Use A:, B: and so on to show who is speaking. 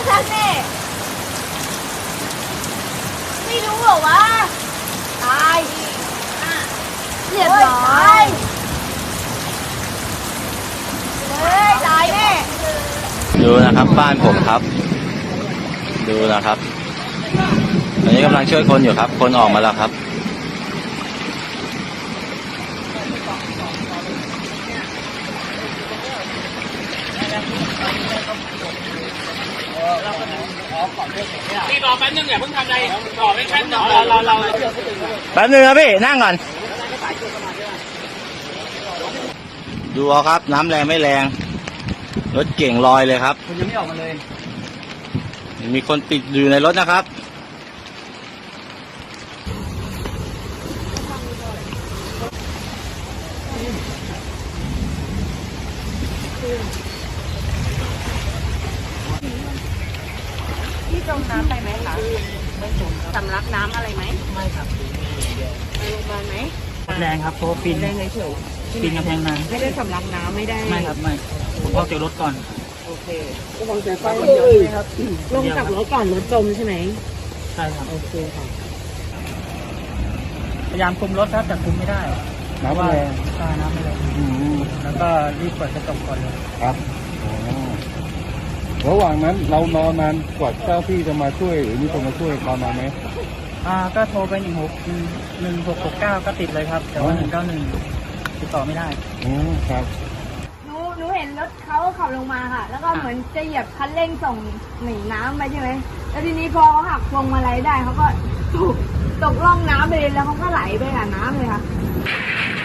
A: ฉันนี่ไม่รู้เหรอวะตายเรียบร้อยเลยตายแน่
B: ดูนะครับบ้านผมครับดูนะครับตอนนี้กำลังช่วยคนอยู่ครับคนออกมาแล้วครับ
C: พี่รอแป๊บนึงอย่าเพิ่งทำอะไรรอไม่แป๊บนึงเรา
B: แป๊บนึงครับพี่นั่งก่อนดูเอาครับน้ำแรงไม่แรงรถเก่งลอยเลยครับ
C: คุณยังไม่ออกมาเลย
B: มีคนติดอยู่ในรถนะครับ
A: พี่จมน้ำไปไหมคะสำลักน้ำอะไรไหม
C: ไม่ครับ
A: ไปโรงพยาบาลไหม
C: แรงครับเพราะปีน
A: แรงเฉย
C: ปีนกำแพงนาน
A: ไม่ได้สำลักน้ำไม่ได้
C: ไม่ครับไม่ผมออกจากรถก่อน
A: โอเคก็วางใจไฟเยอะเลยครับลงจากรถก่อนรถจมใช่ไหม
C: ใช่ครับ
A: โอเคค่ะ
C: พยายามคุมรถครับแต่คุมไม่ได้
B: น้ำแรง
C: น้ำไม่แรงแล้วก็รีบเปิดกระจกก่อนเลย
B: ครับ
D: ระหว่างนั้นเรานอนนานกว่าเจ้าที่จะมาช่วยหรือมีคนมาช่วยนอนนานไหม
C: ก็โทรไป1669ก็ติดเลยครับแต่ว่า191ติดต่อไม่ได้
D: ครับ
A: หนูเห็นรถเขาขับลงมาค่ะแล้วก็เหมือนจะเหยียบคันเร่งส่งหนีน้ำไปใช่ไหมแล้วทีนี้พอเขาหักพวงมาลัยได้เขาก็ตกร่องน้ำไปเลยแล้วเขาก็ไหลไปกับน้ำเลยค่ะ